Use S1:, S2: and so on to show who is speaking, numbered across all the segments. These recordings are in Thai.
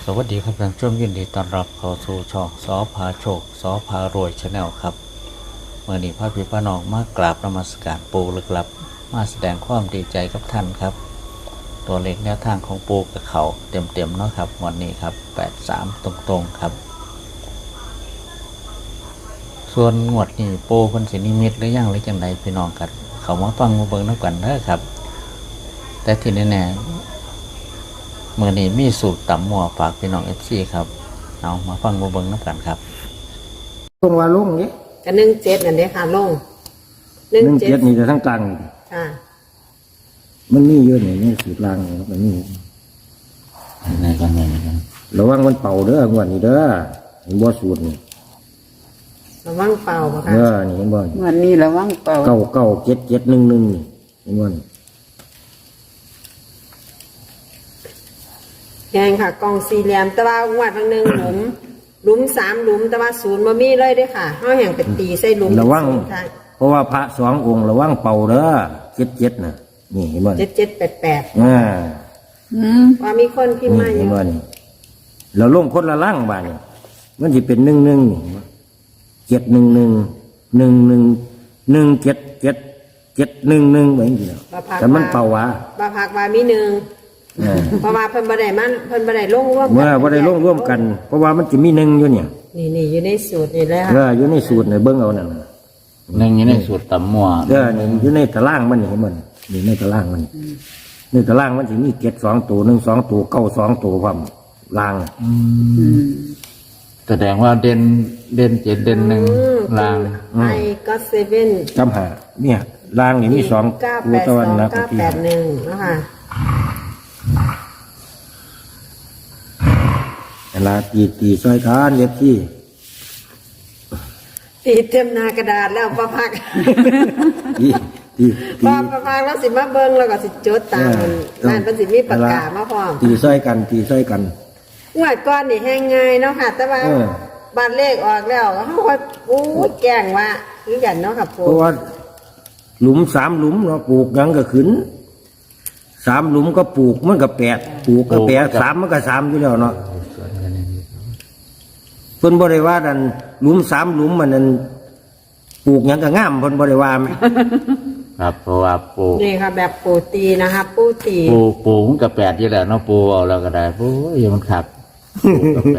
S1: สวัสดีครับท่านผู้ชมยินดีต้อนรับเข้าสู่ช่องสอพาโชคสอพารวยชาแนลครับเมื่อนี้พระพี่พระน้องมากราบนมัสการปู่ลึกลับมาแสดงความดีใจกับท่านครับตัวเลขแนวทางของปู่กับเขาเต็มๆเนาะครับวันนี้ครับ83ตรงๆครับส่วนงวดนี้ปู่เพิ่นสินิมิตหรือยังหรือจังไดพี่น้องกันเขามาฟังมาเบิ่งนำกันเด้อครับแต่ที่แน่เมื่อนี้มีสูตรตำหม้อฝากพี่น้องFCครับเอามาฟังมาเบิ่งนำกันครับ
S2: ตรงว่าลงนี่
S3: ก็17นั่นเด้ค่ะลง
S2: 17นี่จะทั้งกลางนี่
S3: ค่ะ
S2: มันมีเยอะนี่สูตรล่างนี่มันมี
S1: ในกันกัน
S2: ระวังมันเป่าเด้องวดนี้เด้อเห็นบ่สูตรนี่
S3: ระวังเป่าบ่ค่ะ
S2: นี่เห็นบ่
S4: วันนี้ระวังเป่า
S2: 99771นี่เห็นบ่
S3: แกงค่ะกล่องสี่เหลี่ยมแต่ว่างวดบางนึงหลุม3หลุมแต่ว่า0บ่มีเลยเด้อค่ะเฮาแห่งไปตีใส่หลุม
S2: ระวังเพราะว่าพระ2องค์ระวังเป่าเด้อ77น่ะนี่เห็นบ่
S3: 7788ว่ามีคนพิมพ์มาอยู่
S2: เห็นบ่นี่เราลงคนละล่างบาดนี่มันสิเป็น11นี่71111177711แบบนี้แต่มันเป่าว่า
S3: บ่พักว่ามี1เพราะว่าเพิ่นบ่ได้ลงร่วม
S2: กันเมื่อบ่ได้ลงร่วมกันเพราะว่ามันจะมี1อยู่เนี่ย
S3: นี่อยู่ในสูตรนี่แหละค่ะ
S2: อยู่ในสูตรนี่เบิ่งเอานั่นน่ะ
S1: 1อยู่ในสูตรตำหม้อ
S2: นี่อยู่ในตารางมันนี่เห็นบ่นี่ในตารางมันในตารางมันสิมี7 2ตัว1 2ตัว9 2ตัวพร้อมล่าง
S1: แสดงว่าเด่น7เด่น1ล่าง
S3: ไอ้ก็7
S2: จำหาเนี่ยล่างนี่มี2ตัวตะวันนะ
S3: 981เนาะค่ะ
S2: เวลาตีซอยทานเย็บที่
S3: ตีเต็มหน้ากระดาษแล้วประพักประพักแล้วสิมาเบิ่งแล้วก็สิจดตามนั่นเป็นสิมีปากกามาพร้อม
S2: ตีซอยกัน
S3: งวดก้อนนี่แห้งง่ายเนาะค่ะแต่ว่าบ้านเลขออกแล้วเฮาค่อยแกล้งว่าคือกันเนาะค่ะปู่
S2: เพราะว่าหลุม3หลุมเนาะปลูกยังก็ขึ้น3หลุมก็ปลูกมันก็8ปลูกก็8 3มันก็3อยู่แล้วเนาะเพิ่นบ่ได้ว่านั่นหลุม3หลุมมันนั่นปลูกหยังก็งามเพิ่นบ่ได้ว่าแม่
S1: ครับเพราะว่าปู
S3: นี่ค่ะแบบปูตีนะคะปูตี
S1: ปูมันก็8อยู่แล้วเนาะปูเอาแล้วก็ได้ปูอย่ามันขับปูก็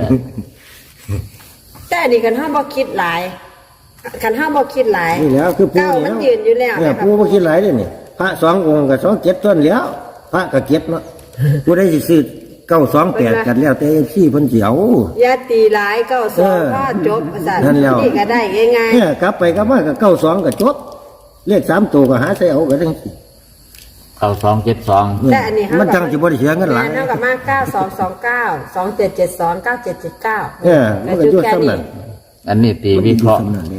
S1: 8
S3: แต่นี่คันเฮาบ่คิดหลาย
S2: นี่แล้วคือปู
S3: มันยืนอยู่แล้ว
S2: เนี่ยปูบ่คิดหลายเด้นี่พระ2องค์ก็27ต้นแล้วพระก็7เนาะผู้ใดสิซื้อ928กันแล้วแต่พี่เพิ่นสิเอา
S3: อย่าตีหลาย92ก็จบซั่นนี่ก็ได้ง่าย
S2: ๆเนี่ยกลับไปกลับมาก็92ก็จบเลข3ตัวก็หาใส่เอาก็จังซี่
S1: 9272
S3: แต่อันนี้
S2: มันจังสิบ่ได้เสียเงินหลาย
S3: เท่ากับมา9229 2772 9779
S2: มันก็อยู่ซ้ำนั่น
S1: อันนี้ตีวิเคราะห์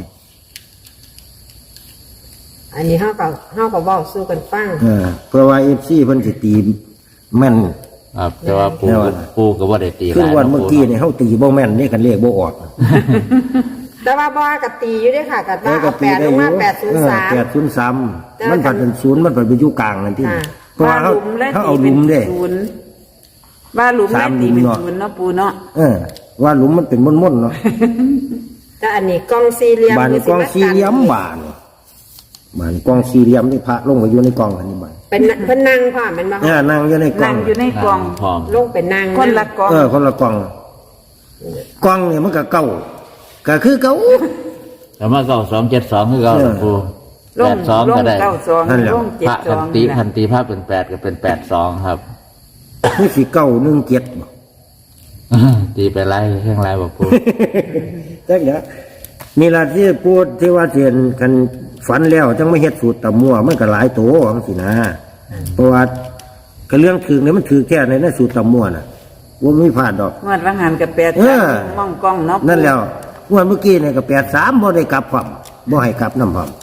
S3: อันนี้เฮาก็เว้าสู้กันฟัง
S2: เพราะว่า FC เพิ่นสิตีแม่น
S1: ครับแต่ว่าปูก็บ่ได้ตีหลาย
S2: คือวันเมื่อกี้นี่เฮาตีบ่แม่นนี่คันเลขบ่ออก
S3: แต่ว่าบ่ก็ตีอยู่เด้ค่ะก็ว่า8ลงมา
S2: 803มันผัดเป็น0มันผัดเป็นอยู่กลางนั่นที่เพราะว่าเฮาเอาหลุมเด้
S4: ว่าหลุมได้ตีเป็น0เนาะปูเนาะ
S2: ว่าหลุมมันเป็นม่นๆเนาะ
S3: แต่อันนี้กล่องสี่เหลี่ยม
S2: บ้านกล่องสี่เหลี่ยมบ้านกล่องสี่เหลี่ยมที่พระลงไปอยู่ในกล่องอันนี้บ้าน
S3: เป็นเพิ่นนั่งพร้อมแม่นบ่
S2: นั่งอยู่ในกล่อง
S3: ลงเป็นนั่ง
S4: คนละกล่อง
S2: คนละกล่องกล่องเนี่ยมันก็เก่าก็คือเก่า
S1: แต่มา9272คือเก่าปู82ก็ได้
S2: นั่นแหละ
S1: พระคันตีพระเป็น8ก็เป็น82ครับ
S2: คือสิเก่า17บ่
S1: ตีไปไล่แห่งไล่บ่ปู
S2: จักเด้อนี่ล่ะที่พูดที่ว่าเทียนกันฝันแล้วจังไม่เฮ็ดสูตรตะมั่วมันก็หลายโตจังซี่นะเพราะว่าก็เรื่องถึงเนี่ยมันถือแค่ในนั้นสูตรตะมั่วน่ะว่าไม่พลาดดอก
S4: งวดละหันกับ83มองกล้องเนาะ
S2: นั่นแล้วงวดเมื่อกี้เนี่ยก็83บ่ได้กลับพร้อมบ่ให้กลับนำพร้อม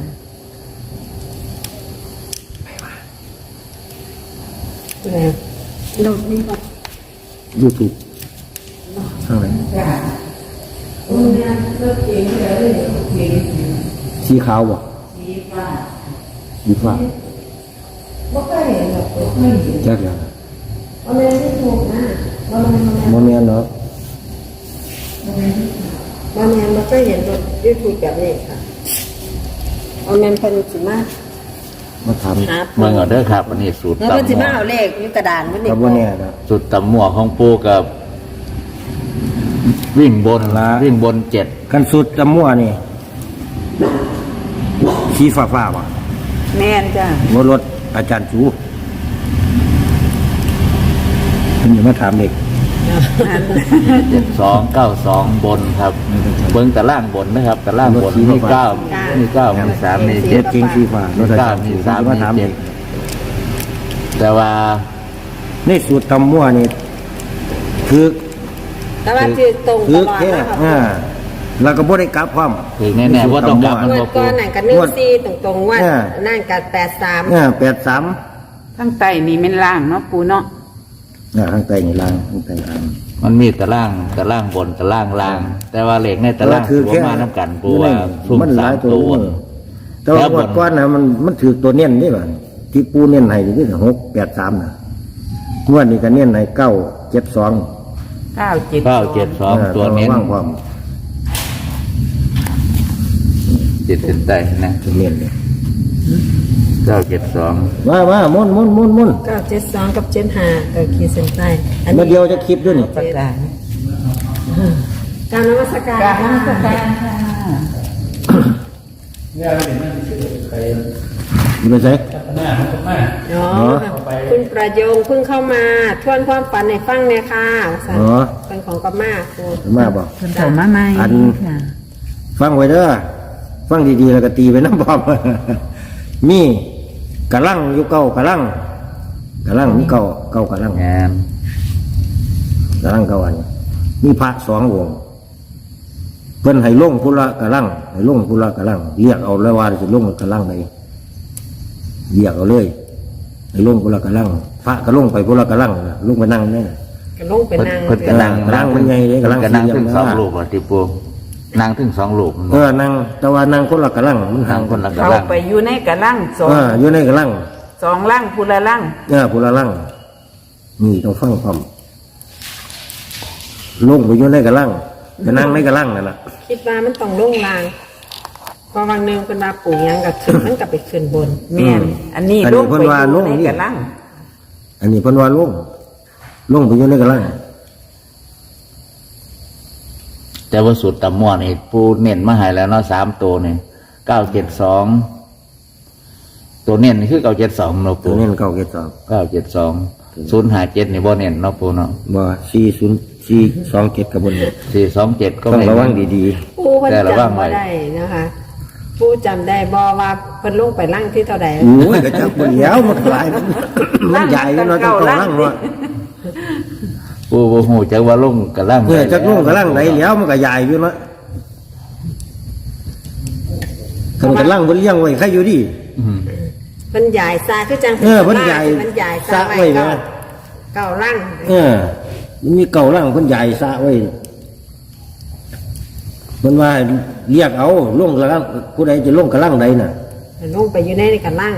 S3: ลงนี่บ่
S2: YouTube ทางไหนสีขาวบ่สีฟ้าบ่เคยเห็นหรอกไม่เห็นจักแล้ว
S3: เอาเลยที่ถูกนะ
S2: บ่แม่นเนาะ
S3: บ่แม่นบ่เคยเห็นรถยูทูบแบบนี้ค่ะเอาแม่นเพิ่นสิมา
S2: มาถาม
S3: หา
S1: เมืองเอาเด้อครับอันนี้สูตร
S3: แล้วเพิ่น
S1: ตำ
S3: สิ
S1: หม้
S3: มา
S1: อ
S3: เอาเลขอยู่กระดานเพิ่นนี่
S2: ก็บ่แน่เนาะ
S1: สูตรตำหม้อของปูกับวิ่งบน
S2: ละ
S1: วิ่งบนเจ็ด
S2: กันสุดตะมั่วนี่สีฟ้าๆบ่
S4: แม่นจ้ะ
S2: รถอาจารย์จูเพิ่นจะมาถามเด็ก
S1: 7292บนครับเบิ้งแต่ล่างบนนะครับแต่ล่างบนมี9มี9มี3มี7
S2: เก่งสีฟ้ารถอาจารย์
S1: มี
S2: จู
S1: 3
S2: มา
S1: มี
S2: ถามเด็ก
S1: 7แต่ว่า
S2: ในสูตรตำมั่วนี่คือ
S3: แต่ว่าคือตรง
S2: คื
S3: ต
S2: อ
S3: ลอด
S2: แค่
S3: นะคะ
S2: แล้วก็บ่ได้กลับพร้อม
S1: ถึงแน่ๆว่าต้องกลับมัน
S3: งว
S1: บ่
S3: ด
S1: ปู
S3: ก่อนนั่นก็14ตรงๆว่านั่นก็83
S2: 83
S4: ทั้งไตนี่เป็นล่างเนาะปูเนาะ
S2: ข้างใต้นี่ล่างข้างใต้ล่าง
S1: มันมีแต่ล่างบนแต่ล่างแต่ว่าเหล็กในแต่ล่าง
S2: คือ
S1: ถือ
S2: แค่
S1: ว่ามาน้ำกันปูว่าซุ่ม
S2: มันหลาย
S1: 3ตัว
S2: แต่ว่างวดก่อนน่ะมันถือตัวเน้นนี่บ่ที่ปูเน้นให้นี่คือ683น่ะงวดนี้ก็เน้นให้972
S4: 972
S1: ตัวเน้น
S2: ว่างความ
S1: จิตสินใจนะ
S2: ตัวเน้นเลย
S1: 972
S2: มามุ่น
S3: 972กับ75ก็ขีดเส้นใต้อัน
S2: มา
S3: นี้
S2: เดียวจะคลิปด้วยนี่
S4: ประกาศ
S3: การนมัสการ
S4: การนมัสการค่ะ
S2: อยู่ไปใส่
S3: อ๋อคุณประโยงเพิ่งเข้ามาทวนความฝันในฟังเนี่ยค่ะสันเป็นของกม่าครู
S2: มาบอก
S4: เพิ่นเข้ามาใหม่ค่ะ
S2: ฟังไว้เด้อฟังดีๆแล้วก็ตีไปน้ำบอม มีกระลังอยู่เก่ากระลังมีเก่ากระลัง
S1: งาน
S2: กระลังเก่าอันมีพระ2 องค์เพิ่นให้ลงพุละกระลังให้ลงพุละกระลังเรียกเอาแล้วว่าจะลงกระลังใดเรียกเอาเลยให้ลงพุละกระลังพระก็ลงไปพุละกระลังน่ะลงไปนั่งเนี่ย
S3: ก็ลงไปนั่ง
S1: เพิ่นก็นั่ง
S2: กระลังมันใหญ่เลยกระลัง
S1: ก็นั่ง
S2: สี่เหลี่
S1: ถึ
S2: ยม
S1: ง
S2: นะ
S1: 2 รูปอ่ะที่ปูนั่งถึง2 รูป
S2: นั่งแต่ว่านั่งคนละกระลังมันห่า
S1: นั่
S2: ง
S1: งคนละกระ
S4: เข้า
S1: ลัง
S4: ไปอยู่ในกระลัง
S2: อยู่ในกระลัง
S4: 2ล่างพูละล่าง
S2: พุละลังนี่ต้องฟังความลงไปอยู่ในกระลังจะนั่งในกระลังนั่นแหละ
S3: คิดว่ามันต้องลงลางพอวันหนึ่งเป็นมาปลูกยังกับขึ้นมันกับไปขึ้นบน
S4: แม่นอันนี้ลงไปอยู่ในกระลัง
S2: อันนี้เพิ่นว่าลงไปอยู่ในกระลัง
S1: แต่ว่าสูตรตำหม้อนี่ปูเน้นมาให้แล้วเนาะ3 ตัวนี่972ตัวเน้นนี่คือ972เนาะ
S2: ตั
S1: ปู
S2: วนี้มัน972
S1: 972 057นี่บ่เน้นเนาะปูเนาะ
S2: บ่427กับบนนี้
S1: 427ก็
S2: ต้อง
S1: ไม่
S2: ระวั
S1: เน้
S2: ง
S1: น
S2: ดี
S3: ปูเพิ่นจำบ่ได้นะคะปูจำได้บ่ว่าเพิ่นลงไปล่างที่เท่าใด
S2: ๆโอ้ยก็จักบ่แล้วมันหลายมันใหญ่อยู่เนาะต้องระวังเนาะ
S1: ปูบ่ฮู้จักว่าลงกระลัง
S2: จักลงกระลังไหนแล้วมันก็ใหญ่อยู่เนาะคันกระลังเพิ่นเลี้ยงไว้ใครอยู่ดี
S1: อืม
S3: เพิ่นใหญ่ซาคือจัง
S2: เพิ่นใหญ่
S3: มันใหญ่
S2: สระไว้นะ
S3: เก้าล่าง
S2: มันมีเก่าล่างเพิ่นใหญ่สระไว้เพิ่นว่าเรียกเอาลงกระลังผู้ใดจะลงกระลังใดน่ะ
S3: ลงไปอยู่ในกันล่าง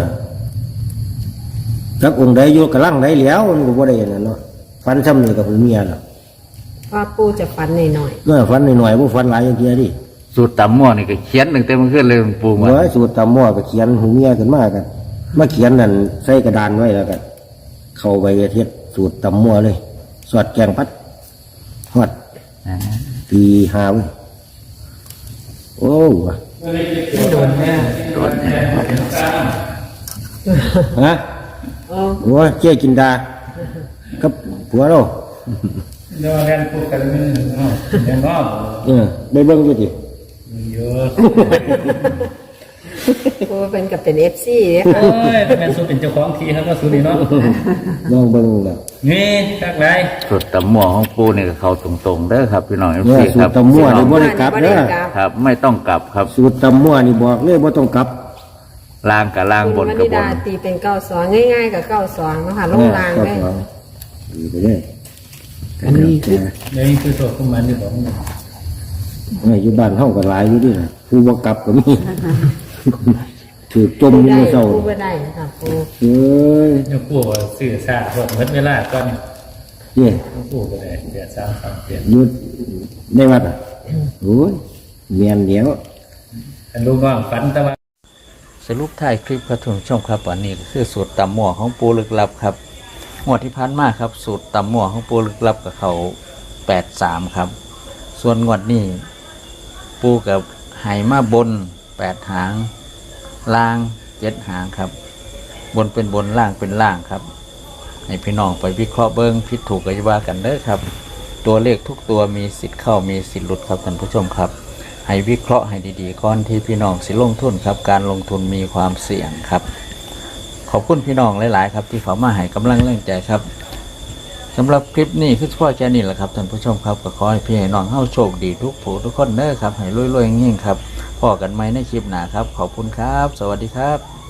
S2: จักองค์ใดอยู่กระลังใดแล้วมันก็บ่ได้นั่นเนาะฟันซ้ำนี่กับผู้เมียล่ะ
S3: เพราะปูจะฝันหน่อย
S2: ฟันหน่อยๆบ่ฟันหลายอย่างเดียวดิ
S1: สูตรตำหม้อนี่ก็เขียนตั้งแต่เมื่อคืนเลยปูมา
S2: เมื่อสูตรตำหม้อก็เขียนหูเมียขึ้นมากันมาเขียนนั่นใส่กระดานไว้แล้วกันเข้าไปเฮ็ดสูตรตำหม้อเลยสอดแกงพัดฮอด
S1: อ่า
S2: ตีหาเว้ยโอ้ฮะ
S3: ๆโอ้
S2: โอ้ยเจ๊กินดากับผัวเรา
S5: เดี๋ยวแทนพูดกันนึงเดี๋ยวงอก
S2: ได้เบิ่งอยู่ดิ
S5: เยอะ
S3: ปูเป็นกับเป็น FC เนี่ย
S5: โอ้ยแม่สู้เป็นเจ้าของทีครับก็สู้ดีเนาะ
S2: ลองเบิ่งแล้ว
S5: นี่ทักไร
S1: สูตรตำหม้อของปูนี่ก็เข้าตรงๆเด้อครับพี่น้อง
S2: เนี่ย
S1: FC
S2: สู
S1: ครั
S2: ต
S1: บ
S2: รตำมั่วนี่บ่ได้กลับเด้อ
S1: ครับ ไม่ต้องกลับครับ
S2: สูตรตำมั่วนี่บอกเลยบ่ต้องกลับ
S1: ล่างกับล่างบน
S3: คุณ
S1: กับ
S3: วนิ
S1: บ
S3: ดาน ตีเป็น92ง่ายๆกับ92นะคะลงลางเลย
S2: ดีไปเลย
S4: อันนี้คือ
S5: เดี๋ยวนี้คือตัวของมันที่บอก
S2: อยู่บ้านเฮาก็หลายอยู่ดิน่ะผู้บ่กลับก็มี ถือจม
S3: ปู
S2: อยู่
S3: ได้
S2: ในเศร้า
S3: ปูบ่ได้ค่ะปู
S2: เอ้ย
S5: เนี่ยพูดว่าสื่อสารหมดเวลาก่อน
S2: เนี่ย
S5: พูดไปเลยเดือด3 เดือน
S2: อยู่ในวัดอ่ะโอ้ยเมียนเดียว
S5: อันรู้ว่าฝันแต่ว่า
S1: สรุปท้ายคลิปครับท่านผู้ชมครับวันนี้ก็คือสูตรตำหมั่วของปูลึกลับครับงวดที่ผ่านมาครับสูตรตำหมั่วของปูลึกลับกับเขา83ครับ ส่วนงวดนี้ปูกับไหมาบน8หางล่าง7หางครับ บนเป็นบนล่างเป็นล่างครับให้พี่น้องไปวิเคราะห์เบิ้งผิดถูกก็จะว่ากันเด้อครับ ตัวเลขทุกตัวมีสิทธิ์เข้ามีสิทธิ์หลุดครับท่านผู้ชมครับให้วิเคราะห์ให้ดีๆก่อนที่พี่น้องสิลงทุนครับการลงทุนมีความเสี่ยงครับขอบคุณพี่น้องหลายๆครับที่เข้ามาให้กำลังแรงใจครับสำหรับคลิปนี้คือเฉพาะแค่นี้แหละครับท่านผู้ชมครับก็ขอให้พี่ให้น้องเฮาโชคดีทุกผู้ทุกคนเด้อครับให้รวยๆยิ่งๆครับพอกันไหมในคลิปหน้าครับขอบคุณครับสวัสดีครับ